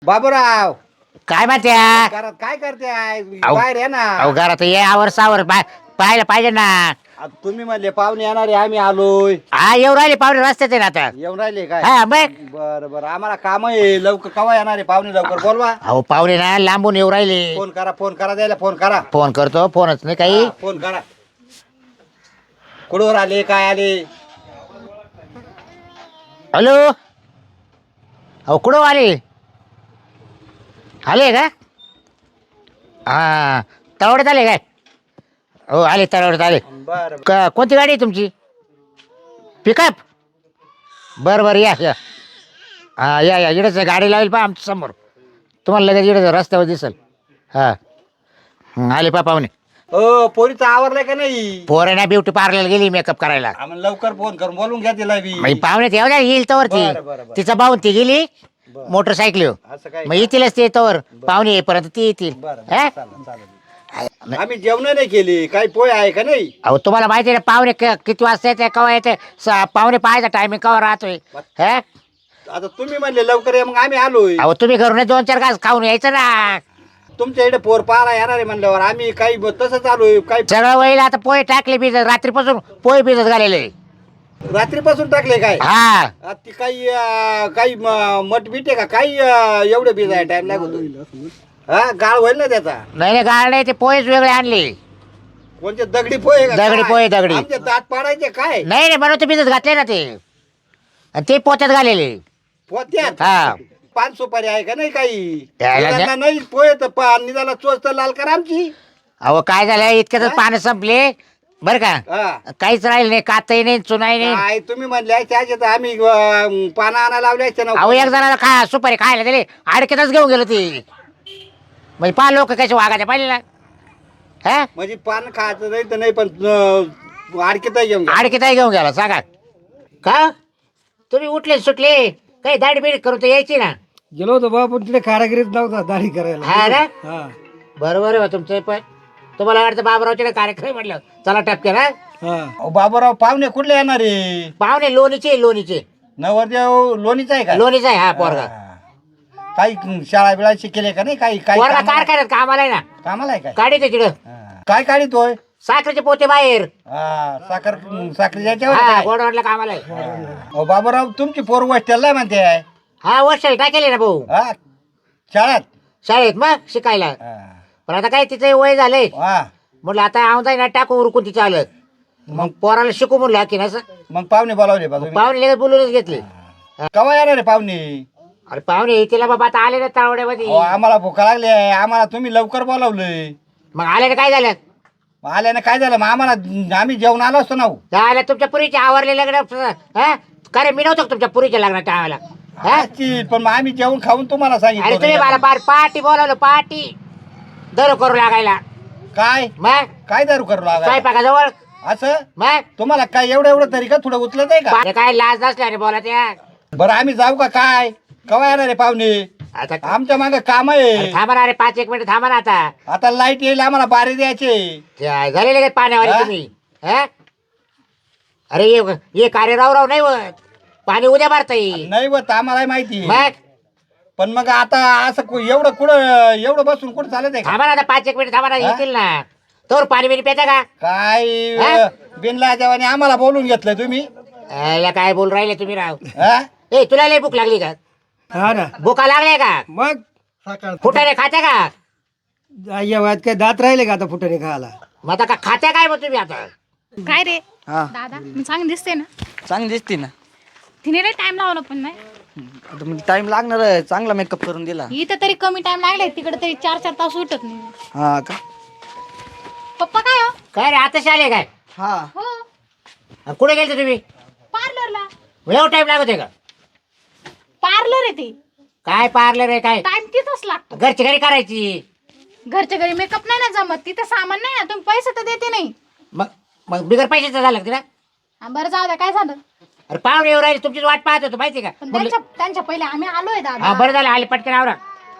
बाबूराव काय माहित्या घरात काय करते आहे? अहो. बाहेर आहे ना. अहो घरात ये आवर सावर पाहायला पाहिजे ना. आता तुम्ही म्हणले पाहुणे येणार आहे, आम्ही आलोय. हा येऊ राहिले पाहुणे रस्त्यात आहे ना आता. येऊन राहिले काय? हा मग बर बर, आम्हाला काम आहे. लवकर कवा येणार आहे पाहुणे? लवकर बोलवा. अहो पाहुणे ना लांबून येऊ राहिले. फोन करा द्यायला, फोन करा. फोन करतो, फोनच नाही काही. हा, फोन करा. कुठवर आले, काय आले? हॅलो अहो कुठं आले? आले का? हा तळवड्यात आले काय? हो आले तळवड्यात आले. बर कोणती गाडी आहे तुमची? पिकअप? बरं बरं या या. हा या इकडंच गाडी लावेल पहा आमच्या समोर. तुम्हाला लगेच इकडं रस्त्यावर दिसेल. हां आले पा पाहुणे. ओ, पोरीचं आवरलंय का नाही? पोरांना ब्युटी पार्लर गेली मेकअप करायला. आम्हाला लवकर फोन करून बोलून घ्या तिला बी. मग पाहुणे येऊ द्या येईल तवर ती. बरं, बरं, बरं. तिचा भाऊन ती गेली बरं. मोटरसायकल. असं काय? मग येतीलच ते तवर पाहुणे येईपर्यंत ती येतील. बरं हा? चालेल चालेल. आम्ही जेवण नाही केली. काही पोय आहे का नाही? अहो तुम्हाला माहिती आहे ना पाहुणे किती वाजता येते केव्हा येते पाहुणे पाहायचा टायमिंग केव्हा राहतोय. हा आता तुम्ही म्हणले लवकर ये, मग आम्ही आलोय. अहो तुम्ही घरून 2-4 घास खाऊन यायचं ना. तुमच्या इकडे पोर पारा येणार आहे म्हणल्यावर आम्ही काही तसंच आलोय. काही सगळं वळील आता पोहे टाकले भिजत रात्रीपासून पोहे भिजत घालेले. रात्रीपासून टाकले काय? हा आता ती काही मठ बीट आहे का? काही एवढे बीज आहे, टाइम लागतो. हा, गाळ होईल ना त्याचा. नाही गाळ नाही ते पोहेच वेगळे आणले. कोणते दगडी पोहे का? दगडी काय? पोहे, दगडी. आमचे दात पाडायचे काय? नाही म्हणून ते भिजत घातले ना ते. आणि ते पोत्यात घालेले. पोत्यात हा पान सुपारी आहे का नाही काही? त्याला मुलांना नाही पोहे तर निघाला चोच तर लाल करा आमची. अहो काय झालं इतक्याच पानं संपले बरं का. हा. काहीच राहिले नाही कातही नाही चुनाई नाही. काय तुम्ही म्हणले त्याचे तर आम्ही पानं आणा लावले असते ना. अहो एक जणाला खा सुपारी खायला दिले अडकेतच घेऊन गेलो ती. म्हणजे 5 लोक कसे वागायचे पाहिजे ना. हा म्हणजे पान खायचं नाही तर नाही, पण आडकीत घेऊन घ्या. अडकेतही घेऊन गेला सांगा. का तुम्ही उठले सुटले काही दाढी बिडी करून तर यायची ना. गेलो होतो बाबा, पण तिथे कारागिरीत नव्हता दाढी करायला. हा ना हा बरोबर आहे तुमचं पण. तुम्हाला वाटतं बाबरावचे कार्यक्रम म्हटलं चला टपके ना. हा अहो, बाबूराव पाहुणे कुठले येणार आहे? पाहुणे लोणीचे नवरदेव लोणीचा आहे का? लोणीचा आहे हा पोरगा. काही शाळा बिळा शिकेले का नाही? काही काही पोरगा कामाला कारखान्यात कामाला आहे ना. कामाला आहे काय? काढी तिकडं हा. काय काढितोय? साखरेचे पोते बाहेर. हा, साखर याच्यावर हा काय? गोडवाडला कामाला आहे. अहो, बाबूराव तुमची पोर हॉस्टेलला म्हणते आहे. हा वर्षाला टाकेले ना भाऊ हा, शाळेत. शाळेत मग शिकायला. हा. पण आता काय तिचं वय झालंय हा. म्हटलं आता आमदाय ना टाकू उरकून तिचं आलं. मग पोराला शिकू म्हणलं की ना मग पाहुणे बोलावले बा तुम्ही? पाहुणे लगेच बोलूनच घेतले. केव्हा येणार आहे पाहुणे? अरे पाहुणे येतील बाबा आता आले ना तावड्यामध्ये. अहो, आम्हाला भूका लागली आहे. आम्हाला तुम्ही लवकर बोलावलंय. मग आले ना काय झालं? आल्यानं काय झालं? मग आम्हाला आम्ही जेवण आलो असतो ना हो. झालं तुमच्या पुरीचे आवरले लग्न. हा का रे मी नव्हतो का तुमच्या पुरीच्या लग्नात टाळायला. हा असतील, पण मग आम्ही जेवण खाऊन तुम्हाला अरे तुम्ही मला सांगितलं. बार पार्टी बोलावलं पार्टी दर करू लागायला. काय मग काय दारू करू लागा? स्वयंपाकाजवळ असं मग तुम्हाला काय एवढं तरी का थोडं उचलत आहे का? अरे काय लाज नसल्याने बोला त्या. बरं आम्ही जाऊ का काय? केव्हा येणार आहे पाहुणे? आता आमच्या मागे काम आहे. थांबा ना अरे 5-1 मिनिट थांबा ना आता. आता लाईट येईल, आम्हाला बारी द्यायचे. झाले लगेच पाण्यावाले हा? तुम्ही. हा अरे ये कार्य राव नाही होत. पाणी उद्या भरता येईल. नाही होत आम्हाला माहिती आहे. मग पण मग आता असं एवढं कुठं एवढं बसून कुठं चालत आहे का? थांबा ना आता 5-1 मिनिट थांबा ना येतील ना. तोवर पाणी बिणी पेता का? काय हा? बिनला जेव्हा आम्हाला बोलून घेतलं तुम्ही? याला काय बोल राहिले तुम्ही राव. हा? ए तुला लय भूक लागली का? हा ना. भुका लागले का? मग सकाळ फुटाने खात्या का? या वयात काय दात राहिले का आता फुटाने खायला? मग आता का खात्या काय मग तुम्ही आता? काय रे हा दादा मी चांगली दिसते ना. चांगली दिसते ना. तिने लय टाइम लावला पण नाही. आता मग टाइम लागणार आहे. चांगला मेकअप करून दिला. इथं तरी कमी टाइम लागलाय, तिकडे तरी 4-4 तास उठत नाही. हा का? पप्पा काय हो? काय रे आताच आले काय? हा हो कुठे गेलते तुम्ही? पार्लरला. एवढा टाइम लागत आहे का? पार्लर आहे ते. काय पार्लर आहे काय? टाइम तिथंच लागतो. घरची घरी करायची. घरच्या घरी मेकअप नाही ना जमत, तिथं सामान नाही ना, तुम्ही पैसे तर देते नाही. मग मग बिगर पैशाचं झालं तिला. हा, बरं जाऊ द्या, काय झालं? अरे पाहुणे येऊ राहिले तुमचीच वाट पाहत होतो माहिती का. पण म्हणलं- त्यांच्या पहिले आम्ही आलोय हा दादा. बरं झालं आले पटकन आवरा.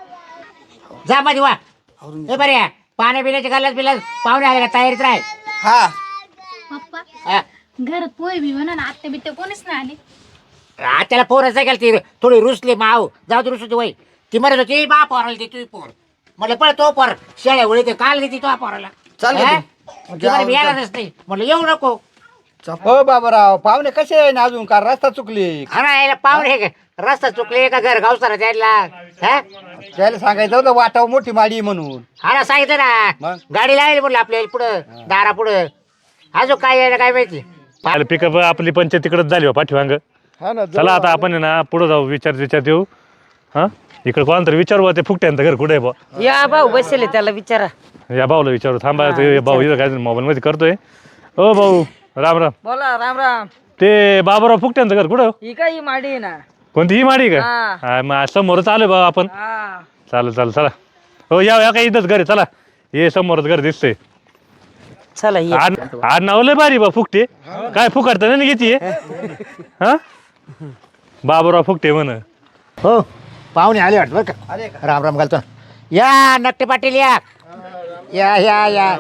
जा मध्ये वा. हे बरे या पाण्या पिण्याचे गल्लास बिलास पाहुणे आले का तयारीत राह. हा पप्पा हा. घरात पोहे बी म्हणा ना, आत्ते बित्ते कोणीच नाही आले. त्याला फोनच नाही केला ती थोडी रुसली माव जाऊ दे रुसू वय ती म्हणत होती बा पोराला दे तू पोर म्हटलं पण तो पोर शेळ्या उडी ते काल देते तो पोराला चालेल हा? तू. ती म्हणे, मी येणारच नाही म्हटलं येऊ नको. हो बाबाराव पाहुणे कसे आहे ना अजून का रस्ता चुकली हा ना याला पाहुणे हे रस्ता चुकले का घर गावसारा द्यायला हा त्याला सांगायचं होतं वाटाव मोठी माडी म्हणून. हा ना सांगितलं ना मग? गाडी लावेल म्हटलं आपल्या पुढं दारा पुढं अजून काय यायला काय माहिती. पिकअप आपली पंचायत तिकडच झाली हो पाठीवांग. हा ना चला आता आपण आहे ना पुढे जाऊ विचार देऊ. हा इकडे कोणाला तरी विचारू बा, ते फुकट्यांचं घर कुठे आहे बा. या भाऊ बसले त्याला विचारा. या भाऊला विचारू थांबा ते भाऊ इथं काय मोबाईल मध्ये करतोय. ओ भाऊ राम राम. बोला राम राम. ते बाबूराव फुकट्यांचं घर कुठं हो? ही काय ही माडी आहे ना. कोणती ही माडी का हा. हा मग समोरच आलोय बा आपण. हा चालेल चला हो या काय इथंच घर आहे चला ये समोरच घर दिसतंय. चला ये. आज नाव लय भारी बा फुकटे काय फुकटतं नाही घेते हा बाबूराव फुकटे म्हण. हो पाहुणे आले वाटतं बरं का. राम राम घालतो या नक्टे पाटील या या या या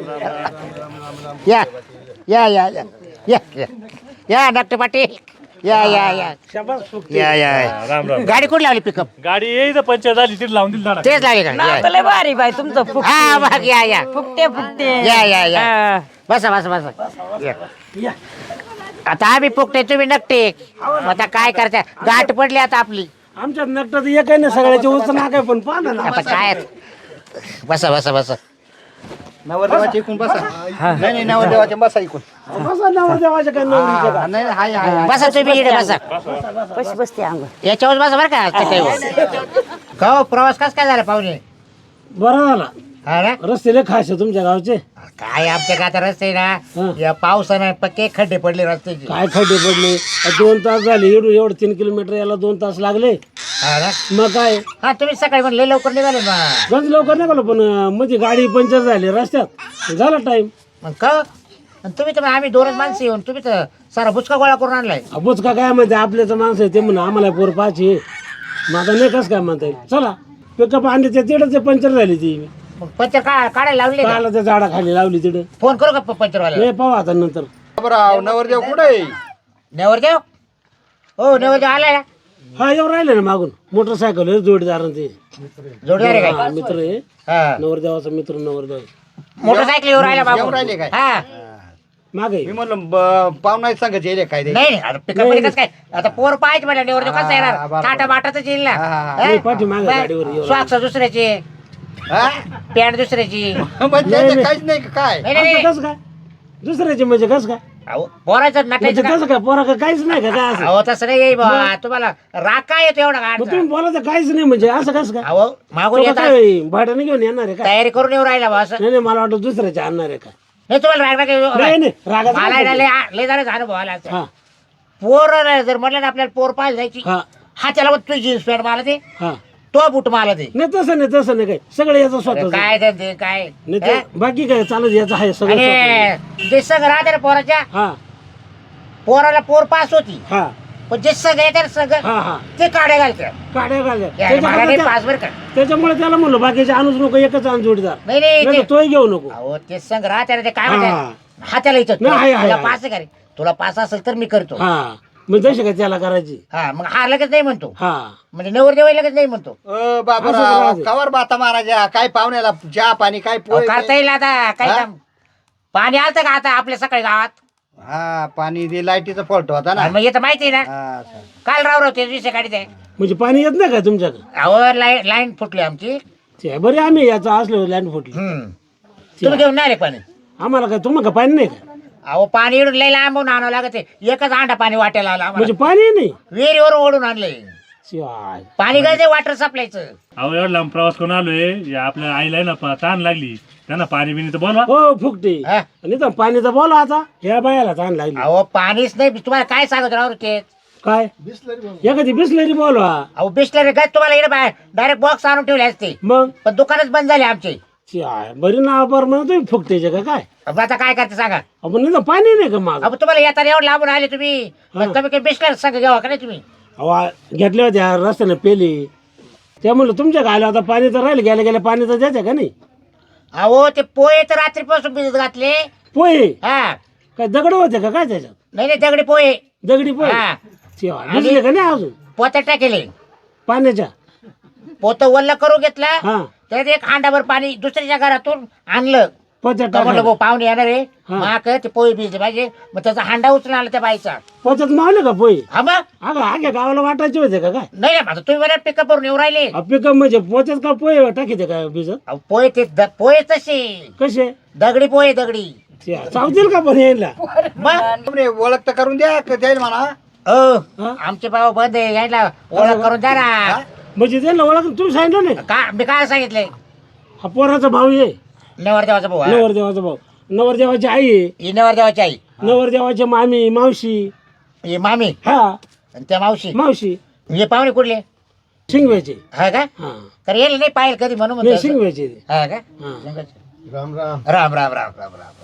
या या या या या या या नक्टे पाटील या या या या या राम राम. गाडी कुठे लावली पिकअप गाडी येईल पंचायत झाली तिथे लावून दिली झाडा. तेच लागले का नाव तर लय भारी बाई तुमचं हा मग या या फुकटे फुकटे. या या या हा. बसा बसा बसा या. आता आम्ही फुकटे तुम्ही नकटे आता काय करता गाठ पडली आता आपली आमच्यात नकटात एक आहे ना सगळ्याच्या उच नाक आहे पण पाहा ना. आता काय बसा बसा बसा नवरदेवाच्या इकून बसा. नाही नाही नवरदेवाच्या बसा इकून. बसा नवरदेवाच्या काय नवरीच्या का? नाही हाय हाय बसा तुम्ही इकडे बसा कशी बसते अंग. याच्यावर बसा बरं का चटईवर. का हो, प्रवास कस काय झाला पाहुणे. बरं झाला हा ना रस्ते लय खास आहे तुमच्या गावचे. काय आमच्या गाता रस्ते ना हं. या पावसानं पक्के खड्डे पडले रस्त्याचे. काय खड्डे पडले 2 तास झाले एवढं 3 किलोमीटर याला 2 तास लागले. हा ना मग काय हा तुम्ही सकाळी म्हणले लवकर निघाले ना गंज लवकर निघालो पण म्हणजे गाडी पंक्चर झाली रस्त्यात झाला टाइम. मग का आणि तुम्ही तर आम्ही दोनच माणसं येऊन तुम्ही तर सारा बुचका गोळा करून आणलाय. बुचका काय म्हणते आपल्याचं माणसं आहे ते म्हणून आम्हाला पोर पाहिजे. मग आता नाही कसं काय म्हणता येईल. चला पिकअप आणले ते तिथं पंक्चर झाली ती. मग पंचर काढायला लावले का? काला त्या झाडाखाली लावली तिथं. फोन करू का पंचरवाला. हे पाहू आता नंतर. बाबाराव नवरदेव कुठे आहे? नेवरदेव हो नेवरदेव आलाय ना हा येऊ राहिले ना मागून मोटरसायकल जोडीदार ते जोडीदार आहे काय. हा, मित्र आहे हा नवरदेवाचा मित्र नवरदेव मोटरसायकल येऊ राहिला येऊ बाबू. राहिले काय? हा मागे मी म्हणलं पाहुणा सांगत येईल काय ते. नाही नाही आता पिकअप मध्ये कसं काय आता पोर पाहायचे मला नेवरदेव कसं येणार बरोबर. टाटा बाटाच येईल ना. हा, हा, हा? नाही, पाठीमागे गाडीवर येऊ. सॉक्स दुसऱ्याची हा? पॅन्ट दुसऱ्याची. मग त्याचं काहीच नाही का काय? नाही नाही असं कसं काय दुसऱ्याचे म्हणजे कसं काय अहो, पोराचं म्हणजे नटायचं का? कसं काय पोरा का काहीच नाही का काय असं. अहो तसं नाही येई बा तुम्हाला राग काय येतो एवढा मग गाडचा. तुम्ही बोलायचं काहीच नाही म्हणजे असं कसं काय. अहो मागून तो येतात काय भाड्याने घेऊन येणार आहे का. तयारी करून येऊ राहिला बा असं. नाही नाही मला वाटतं दुसऱ्याचे आणणार आहे का. नाही तुम्हाला राग नाही राग नाही रागाचं मला काय आहे ना बोलतो. लय झालं अनुभव आला असं. हा पोर जर म्हटलं ना आपल्याला पोर पाहिजे जायची हा हा त्याला मग तुझी जीन्स पॅन्ट मला ते हा तो बूट मला ते नाही तसं नाही काय सगळं याचं स्वतः काय ते काय नाही ते बाकी काय चालत याचं आहे सगळं स्वतःचं. आणि जे संघ राहते ना पोराच्या हा पोराला पोर पास होती हा पण जे संघ येते ना संघ हा हा ते काढे घालते काड्या घालल्या मला नाही त्याच्यामुळे पास बर का त्याच्यामुळे त्याला म्हणलं बाकीचे आणूच नको एकच आण जोडीदार नाही नाही नाही ते- तर तोही घेऊ नको. अहो ते संघ राहते ना ते काय हा. म्हणते हा त्याला इथं नाही, आहे, तुला आहे. पास आहे का रे तुला पास असेल तर मी करतो हा मग जशी काय त्याला करायची. हा मग हा लगेच नाही म्हणतो हा म्हणजे नवरदेव लगेच नाही म्हणतो. असं बाबाराव राहते. कवर बाता महाराजा काय पाहुण्याला चहा पाणी काय अहो, पोय करता येईल आता काय हा? काम पाणी आलतं का आता आपल्या सकाळी गावात. हा पाणी ते लाईटीचा फॉल्ट होता ना. आणि मग येतं माहिती आहे ना हा, असं. काल राव ते विषय काढीत आहे. म्हणजे पाणी येत नाही का तुमच्याकडे. अहो लाईन फुटली आमची. ते बरे आम्ही याचं असलो लँड फुटली. तुम्ही घेऊन नाही आले पाणी. आम्हाला काय तुम्हाला का पाणी नाही का. अहो पाणी इडून लई लांबून आणावं लागत आहे. एकच अंडा पाणी वाटायला आला आम्हाला. म्हणजे पाणी नाही. विहिरीवरून ओढून आणलंय शिवाय. पाणी गरजे वॉटर सप्लायचं. अहो एवढा लांब प्रवास करून आलोय या आपल्या आईला आहे ना ताण लागली त्यांना पाणी बिनी तर बोलवा. हो फुकटे हा? आणि तर पाणी तर बोला आता ह्या बायाला ताण लागली. अहो पाणीच नाही तुम्हाला काय सांगत राहू ते. काय एखादी बिसलरी बोलवा. अहो बिस्लरी गज तुम्हाला इकडे डायरेक्ट बॉक्स आणून ठेवले असते मग पण दुकानच बंद झाले आमचे. शिवाय बरी नाव बरं म्हणा तुम्ही फुकटेचे का काय. अब आता काय करते सांगा. आपण नाही तर पाणी नाही का माझं. अब तुम्हाला येताना एवढं लांबून आले तुम्ही मग कमी कमी बिस्लरी सांगा घ्यावा का नाही तुम्ही. अहो घेतल्या होत्या रस्त्याने पेली त्या म्हणलं तुमच्या गायला आता पाणी तर राहिलं गेल्या गेल्या पाणी तर द्यायचं का नाही. अहो ते पोहे तर रात्रीपासून भिजत घातले. पोहे हा काय दगड होते का काय त्याच्यात. नाही नाही दगडी पोहे. दगडी पोहे हा शिवाय भिजले का नाही अजून पोत्यात टाकेले. पाण्याच्या. पोतं वल्ल करून घेतलं हा त्यात एक हांडाभर पाणी दुसऱ्याच्या घरातून आणलं पोत्यात तर म्हणलं टाकायला. भाऊ पाहुणे येणार आहे हा. माक ते पोहे भिजले पाहिजे मग त्याचा हांडा उचलून आला त्या बाईचा पोत्यात मावले का पोहे हा मग अगं आगे गावाला वाटायचे होते का काय नाही आता तुम्ही मला पिकअप करून येऊ राहिले पिकअप म्हणजे पोत्यात का पोहे टाकीते का भिजत अहो, पोहे ते पोहे तसे कसे दगडी पोहे दगडी चावतील का पण यायला मग तुम्ही ओळख तर करून द्या जाईल म्हणा हो आमचे भाऊ बंद आहे यायला ओळख करून द्या ना म्हणजे त्यांना ओळख तुम्ही सांगितलं नाही का मी काय सांगितलंय हा पोराचा भाऊ आहे नवरदेवाचा भाऊ हा. नवरदेवाचा भाऊ नवरदेवाची आई आहे ही नवरदेवाची आई नवरदेवाची मामी मावशी ही मामी हा आणि त्या मावशी मावशी हे पाहुणे कुठले शिंगव्याची हा का हा तर येईल नाही पाहिलं कधी म्हणून नाही म्हणतो असं. शिंगव्याची हा का हा राम राम राम राम राम राम राम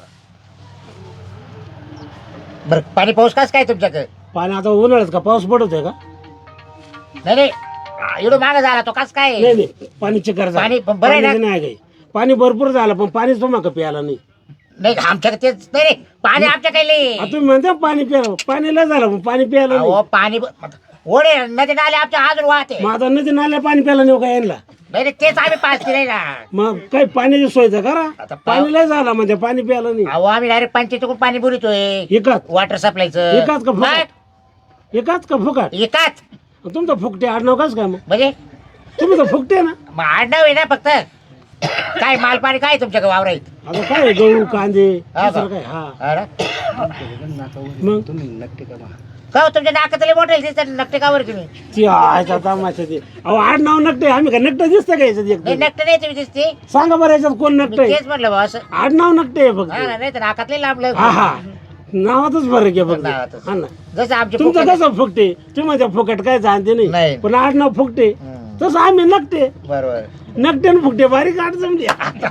बर पाणी पाऊस कास काय तुमच्याकडे पाणी आता उन्हाळ्यात का पाऊस पडतोय का नाही नाही एवढं माग झाला तो कास काय नाही नाही पाणी चिकार झालं. पाणी पण बरं आहे ना? पाण्याचं नाही काही पाणी भरपूर झालं पण पाणीच तुम्हाला प्यायला नाही नाही आमच्याकडे तेच नाही रे पाणी आमच्याकडे आता तुम्ही म्हणता पाणी प्यायला पाणी लय झालं पण पाणी प्यायला नाही अहो पाणी ओढे नदी नाले आमच्या अजून वाहते मग आता नदी नाल्या पाणी प्यायला नाही का यांना नाही रे, तेच आम्ही पाच नाही ना मग काही पाण्याची सोय तर करा आता पाणी लय झालं म्हणजे पाणी प्यायला नाही अहो आम्ही डायरेक्ट पंचायतीकडून पाणी बुरितोय एकाच वॉटर सप्लायचं एकाच का फुकट एकाच का फुकट एकाच तुमचं फुकटे आडनाव कस काय मग म्हणजे तुम्ही तर फुकटे ना मग आडनाव आहे ना फक्त काय माल पाणी काय तुमच्याकडे वावरायत आता काय गहू कांदे हा का? दुसरं काय हा अरे मग का हो, तुमच्या नाकातले मोठे दिसतात नकटे कावर तुम्ही ती आयचा तमाशा ते अहो आडनाव नकटे आम्ही का नकटं दिसतं का याच्यात नाही एकदम नकटे नाही तुम्ही दिसते सांगा बरं याच्यात कोण मी नकट आहे तेच म्हणलं बा असं आडनाव नकटे आहे फक्त हा ना, नाही तर नाकातले लांबलं हा हा नावातच फरक आहे फक्त नावातच. हा ना जसं आमचे तुमचं फुकट- कसं फुकटे तुम्ही म्हणता फुकट काय जाणते नाही नाही. पण आडनाव फुकटे तसं आम्ही नकटे बरोबर नकटे आणि फुकटे बारीक आठ जमली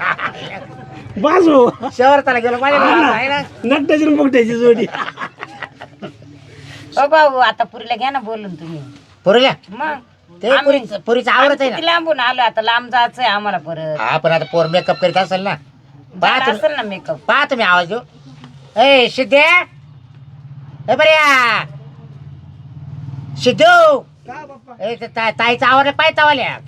बाजू शहर त्याला गेलो माझ्या आहे ना नकट्याची आणि फुकट्याची जोडी भाऊ आता पुरीला घ्या ना बोलून तुम्ही पुरीला मग ते पुरीचं आवडत आहे किती ना लांबून आलो आता लांब जायचंय आम्हाला परत हा पण आता पोर मेकअप करीत असेल ना झाला पाहा असेल ना मेकअप पाहा तुम्ही आवाज देऊ ए सिद्धे ए बऱ्या सिद्धू ए ते ताईचा आवाज पाय तावाल्या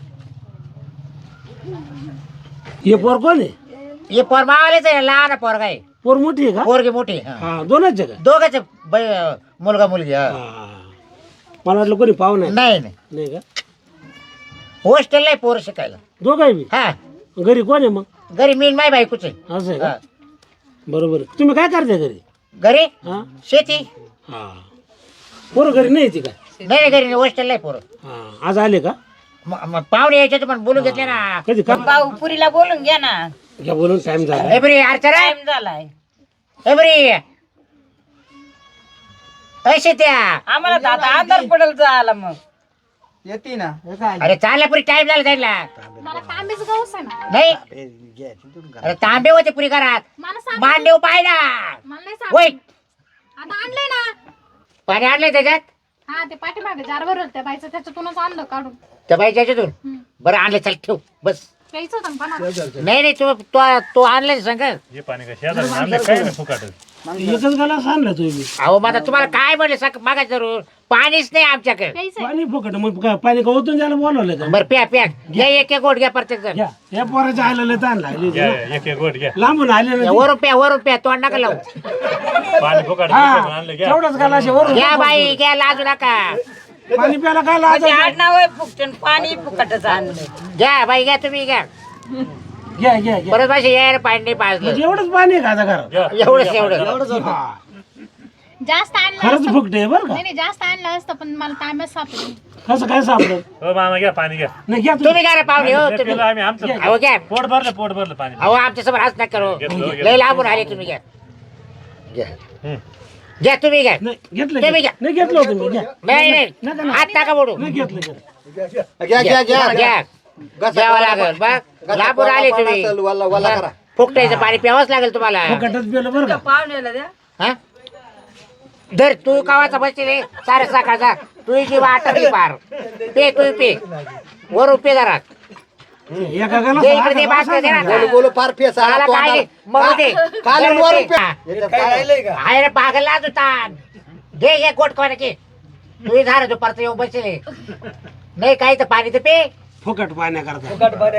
हे पोर कोण आहे हे पोर मावालेच आहे लहान पोर काय पोर मोठी आहे का पोरगी मोठी हा. हा दोनच आहे का दोघंच मुलगा मुलगी हा. हा. मला वाटलं कोणी पाहुणा आहे नाही नाही नाही का हॉस्टेल नाही पोर शिकायला दोघं बी हा घरी कोण आहे मग घरी मी माय बायकोच आहे असं आहे हा. का बरोबर आहे. तुम्ही काय करता घरी घरी हा शेती हा पोरं घरी नाही येते का नाही नाही, घरी हॉस्टेल नाही पोर हा आज आले का पाहुणे यायचे पण बोलून घेतले ना कधी का भाऊ पुरीला बोलून घ्या ना घ्या बोलून टाइम झाला एबरी अर्चना टाइम झालाय एबरी असे त्या आम्हाला तर आता आधार पडेल जायला मग येते ना अरे चालल्या पुरी टाइम झाला जायला मला तांबेच गौस आहे ना नाही अरे तांबे होते पुरी घरात मला सांग मांडव पाहिला मला नाही वय सांग आता आणलंय ना पाणी आणलंय त्याच्यात हा ते पाठीमागे जारवर त्या बाईचं त्याच्यातूनच आणलं काढून त्या बाईच्या याच्यातून बरं आणलं चल ठेव बस प्यायचं होतं ना पाण्यात. नाही नाही तू आणलं सांग हे पाणी काय शेजारी आणलं काय नाही फुकाट एकच गाला सांगला तुम्ही अहो माझा तुम्हाला काय म्हणलं सांग मागा जरूर पाणीच नाही आमच्याकडे प्यायचंय पाणी फुकट मग काय पाणी का ओतून द्यायला बोलवलं का बरं प्या प्या घ्या एक एक गोट घ्या प्रत्येक जण घ्या या पोराच्या आलेले ताण लागले घ्या एक एक गोट घ्या लांबून आले ना वरून प्या तोंड नका लावू पाणी फुकाट हा आणलं घ्या तेवढंच गाला असे वरून घ्या बाई घ्या लाजू नका पाणी प्यायला काय लाज म्हणजे आडनाव आहे फुकट आणि पाणी फुकटच आणलं घ्या बाई घ्या तुम्ही घ्या घ्या घ्या घ्या परत माझे यायला पाणी नाही पाजलं म्हणजे एवढंच पाणी आहे का आता घरात घ्या. एवढंच हा. जास्त आणलं खरंच असतं फुकटे बरं का नाही नाही जास्त आणलं असतं पण मला तांब्याच सापडली कसं काय सापडत हो मामा घ्या पाणी घ्या नाही घ्या तुम्ही घ्या रे पाहुणे हो नाही, तुम्ही पिलं आम्ही आमचं अहो घ्या पोट भरलं पाणी अहो आमच्या समोर हाच नका करू घेतलं, घेतलं. लय लांबून आले तुम्ही घ्या घ्या हम्म. घ्या तुम्ही घ्या नाही घेतलं तुम्ही घ्या. नाही घेतलं होतं मी घ्या नाही नका, नाही नका. हात टाका बोडू नाही घेतलं घेतलं. घ्या घ्या घ्या घ्या घ्यावं लागेल बघ लांबून आले तुम्ही वल्ला करा फुकटायचं पाणी प्यावंच लागेल तुम्हाला फुकटच पिलं बरं का पाहुण्याला द्या हा धर तू कावाचा बसले सारे सकाळचा तू जी वाटली पार पे तू पे वर पे घरात एका गाला दे इकडे दे बासकडे दे ना. बोलू बोलू फार फेस आला मला काय तोंडाला. दे, मग दे. खालून दे. वरून पे. आहे रे पागल होता घे घे गोट कोणाचे तू झालं दुपारचं येऊन बसले नाही काही तर पाणी तर पे फुकट पाण्याकरता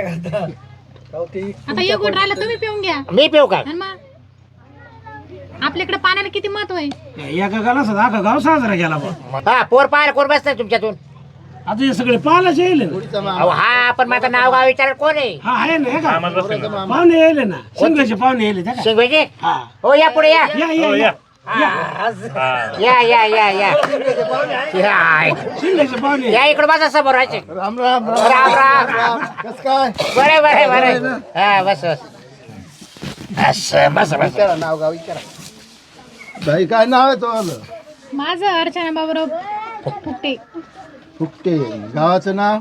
आता एक गोट राहिला तुम्ही पिऊन घ्या मी पिऊ का आणि मग आपल्याकडे पाण्याला किती महत्व आहे. एका गाला सुद्धा अख्खा गाव साजरा केला बा. हा पोर पाहायला कोण बसतंय तुमच्यातून आता हे सगळे पाहायलाच येईल ना. अहो हा पण माझं नाव गाव विचार कोण आहे हा आहे ना हे का पाहुणे येईल ना शिंगाचे पाहुणे येईल त्या का? शिंगवेजी हा हो या पुढे या या या या या या या या या शिंगाचे पाहुणे या इकडे बसा समोर राहायचे राम राम राम राम कस काय बरे बरे बरे हा बस बस असं बस बस विचारा नाव गाव विचारा भाई काय नाव आहे तो माझं अर्चना बाबूराव फुकटे. फुकटे गावाचं नाव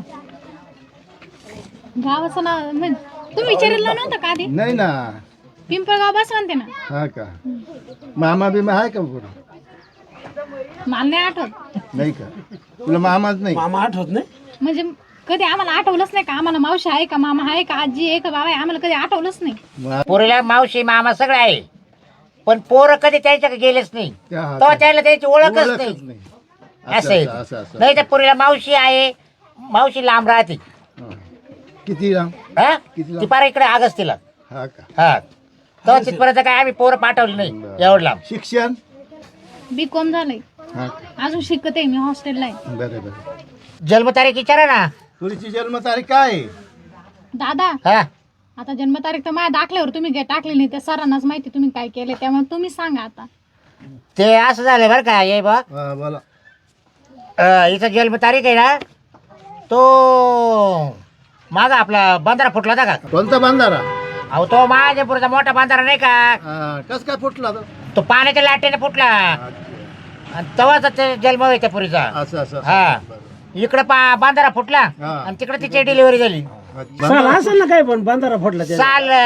गावाचं नाव म्हणजे तुम्ही विचारलं नव्हतं का आधी. नाही ना पिंपळगाव बस म्हणते ना. हा का मामा बिमा आहे का कोण मला नाही आठवत नाही का तुला मामाच नाही मामा आठवत नाही म्हणजे कधी आम्हाला आठवलंच नाही का आम्हाला मावशी आहे का मामा आहे का आजी आहे का बाबा आहे आम्हाला कधी आठवलंच नाही. पोरीला मावशी मामा सगळं आहे पण पोरं कधी त्यांच्याकडे गेलेच नाही त्या- तेव्हा त्याला त्याची ओळखच ओळखच नाही नाही असं आहे. असं असं नाही तर पोरीला मावशी आहे मावशी लांब राहते हा. किती राम हा किती लांब? ती पार इकडे आगस्तीला हा का हा तेव्हा तिथपर्यंत काय आम्ही पोरं पाठवली नाही एवढं लांब. शिक्षण B.Com झालंय हा का अजून शिकते मी हॉस्टेलला आहे. बरं बरं जन्मतारीख विचारा ना तुझी जन्मतारीख काय आहे? दादा हा आता जन्मतारीख तर माझ्या दाखल्यावर तुम्ही काय टाकली नाही त्या सरांनाच माहिती तुम्ही काय केले त्यामुळे तुम्ही सांगा आता. ते असं झालं बरं का ये बा हा, बोला हिचा जन्मतारीख आहे ना तो माझा आपला बांधारा फुटला होता का कोणता बांधारा अहो तो महाजनपूरचा मोठा बांधारा नाही का कस काय फुटला तो तो पाण्याच्या लाटेने फुटला आणि तेव्हाच ते जन्म आहे त्या पुरीचा असं असं हा इकडे बांधारा फुटला हा. आणि तिकडे तिची डिलिव्हरी झाली साल असेल ना काय पण बांधारा फुटला त्याचा.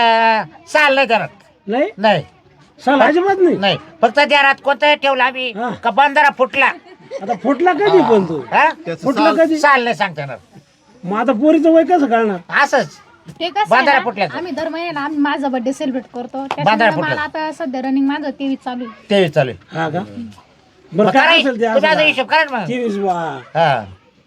साल नाही त्याला नाही नाही साल अजिबात नाही नाही फक्त त्यात कोणतं ठेवलं आम्ही हा. का बांधारा फुटला आता फुटला कधी पण तू हा? त्याचं फुटला साल- कधी साल नाही सांगता येणार मग आता पोरीचं वय कसं कळणार असंच ते कसं बांधारा आहे ना, फुटल्याचं. आम्ही दर महिन्याला आम्ही माझा बर्थडे सेलिब्रेट करतो बांधारा त्याच्यामुळे फुटलं. मला आता सध्या रनिंग माझं 23 चालू आहे. ते चालू आहे. हा का बरं मग काय करा, असेल ते तुम्ही आता असं हिशोब करा ना मग 23 वा हा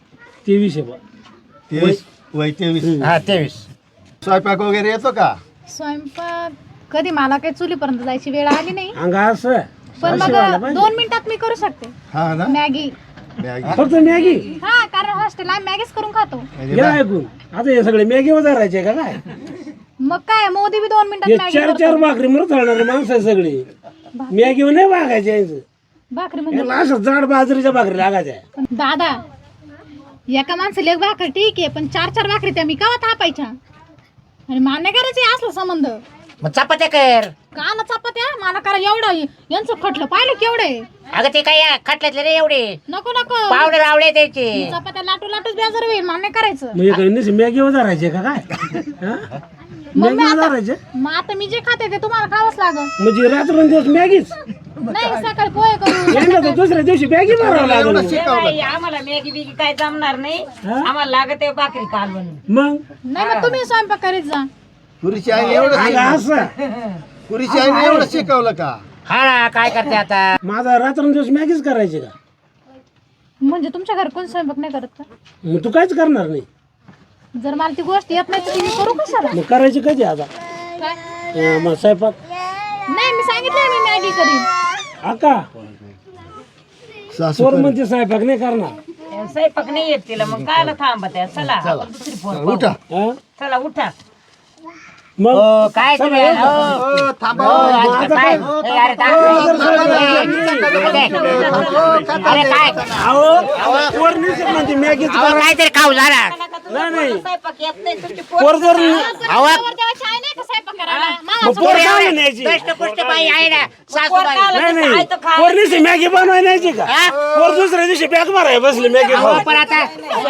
23 आहे बा 23 वय 23 हा 23 स्वयंपाक वगैरे येतो का स्वयंपाक कधी मला काही चुलीपर्यंत जायची वेळ आली नाही अंगा असं पण मग 2 मिनिटात मी करू शकते हा ना मॅगी. मॅगी फक्त मॅगी हा कारण हॉस्टेल आम्ही मॅगीच करून खातो. या ऐकून आता हे सगळे मॅगी वजारायचे का काय मग काय मोदी बी 2 मिनिटात हे मॅगी 4 करतो. भाकरी मरत राहणारे माणसं आहे सगळी मॅगीवर नाही वागायचे यांचं. भाकरी म्हणजे याला असं जाड बाजरीच्या भाकरी लागायच्या पण दादा एका माणसाला एक भाकर ठीक आहे पण 4 भाकरी त्या मी केव्हा थापायच्या आणि मान्य करायचे असलं संबंध मग चपात्या कर काला चपात्या मला करा एवढं यांचं खटलं पाहिलं केवढे अगं ते काय खटल्यातले रे एवढे नको नको पावडे रावळे त्याचे चपात्या लाटू लाटूच बेजार होईल मान्य करायचं. म्हणजे काही नाही मॅगी वजारायचे का काय हा? मग मॅगी मी आता वजारायचे मग आता मी जे खाते ते तुम्हाला खावंच लागल. म्हणजे रात्रंदिवस मॅगीच नाही सकाळी पोहे करू यांना तर दुसऱ्या दिवशी मॅगी मारावं लागलं ए बाई, आम्हाला मॅगी बिगी काय जमणार नाही आम्हाला लागत आहे भाकरी कालवण. मग नाही मग तुम्ही स्वयंपाक करीत जा. पुरीची आईने एवढं अंगा असं पुरीची आईने एवढं शिकवलं का हा ना काय करते आता माझा रात्रंदिवस मॅगीच करायची का म्हणजे तुमच्या घरी कोण स्वयंपाक नाही करत का? मग तू काहीच करणार नाही जर मला ती गोष्ट येत नाही तर ती मी करू कशाला मग करायची कधी आता काय मग स्वयंपाक नाही मी सांगितलंय मी मॅगी करीन. आका सासू पोर म्हणजे स्वयंपाक नाही करणार स्वयंपाक नाही येत तिला मग कायला थांबत आहे चला आपण दुसरी फोन उठा हा? चला उठा. मग हो, काय तुम्ही हो. हो, थांबा हो, आज काय? ए, अरे काय? अरे काय अहो पोर नाही म्हणते मॅगीच अहो, काहीतरी खाऊ झाला नाही स्वयंपाक येत नाही तुमची पोर जर अहो तेव्हा चाय नाही का स्वयंपाक करायला? मला मग पोर काय न्यायची दष्टपुष्ट बाई आहे ना सासूबाई नाही नाही पोर नाही मॅगी बनवाय न्यायची का हा? पोर दुसऱ्या दिवशी बॅग माराय बसली मॅगी अहो, खाऊन. पण आता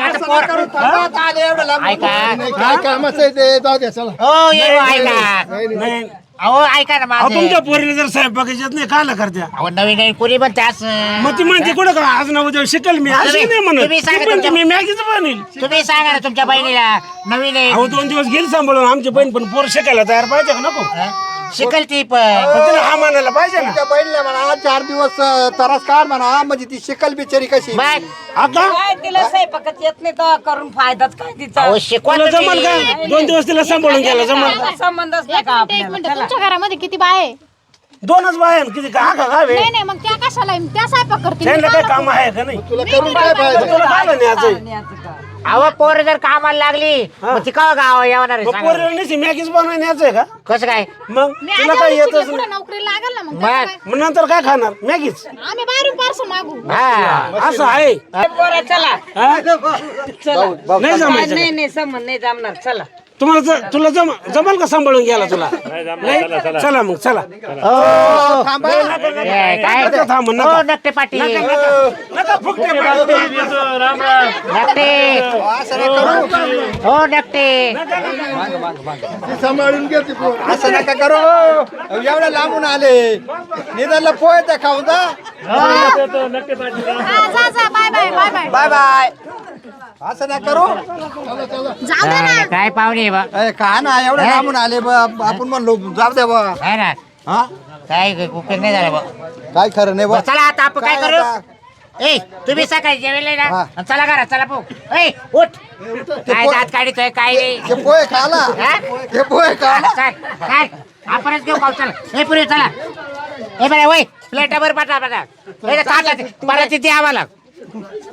ऐका काय कामाचं आहे ते जाऊ द्या चला हो ये ऐका नाही अहो ऐका ना अहो माझं तुमच्या पोरीला जर स्वयंपाक येत नाही काला करत्या अहो नवीन नवीन कुणी पण त्याच मग ती म्हणते कुठं का आज ना उद्या शिकल मी अशी नाही म्हणत तुम्ही सांगा ती म्हणते तुमच्या- मी मॅगीच बनेल तुम्ही सांगा ना तुमच्या बहिणीला नवीन आहे अहो 2 दिवस गेली सांभाळून आमची बहीण पण पोर शिकायला तयार पाहिजे का नको शिकल ती पण पण तिला हा म्हणायला पाहिजे ना. तुमच्या बहिणीला म्हणा 4 दिवस त्रास काढ म्हणा म्हणजे ती शिकल बिचारी कशी. बाय आता काय तिला स्वयंपाकच येत नाही तर करून फायदाच काय तिचा अहो शिकवा तुला जमल का तुम्ही. 2 दिवस तिला सांभाळून गेला जमल का? संबंधच नाही एक का मिनिट आपल्याला तुमच्या घरामध्ये किती बाय आहे? 2च बाया आहेत, किती का गावे नाही नाही मग त्या कशाला आहे? त्या स्वयंपाक करतील त्यांना काय काम आहे का नाही? तुला करून काय फायदा. तुला काय न्यायचंय? अहो पोर जर कामाला लागली मग ती का गाव येणार मग पोरीला नाही मॅगीच बनवायला न्यायचंय का? कसं काय मग मी तुला आधी काय आधी येतच शिकले, पुढे नाही. नोकरी लागेल ना मग मग त्याचं काय? मग नंतर काय खाणार मॅगीच आम्ही बाहेरून पार्सल मागू. हा असं आहे पोरं चला हा? चला नाही जमायचं नाही नाही संबंध नाही जमणार चला तुम्हाला तुला जमल का सांभाळून घ्यायला तुला नाही? चला मग चला थांबा. ए, काय नका थांबू, नका. हो नक्टे पाटील नका फुकटे पाडू. नक्टे असं नका करू. हो नक्टे सांभाळून घे ती पोर. असं नका करू. एवढ्या लांबून आले निदानला पोहे त्या खाऊ जा. हा, जा जा bye bye bye bye bye bye. असं नका करू. जाऊ दे ना. काय पाहुणे बा का ना एवढ्या लांबून आले आपण म्हणलो जाऊ द्या बा. आहे ना हा काय उपयोग नाही झाला बा काय खरं नाही बा. चला आता आपण काय काय करू आता? ए तुम्ही सकाळी जेवेल ना हा. आणि चला घरात चला पो ए उठ काय दात काढितोय काय नाही ते पोहे खाला. हा? ते पोहे खाला. चल काय आपणच घेऊ पाऊ चला ए पुरी चला ए बरे वय प्लेटावर पाठवा परत तिथे आम्हाला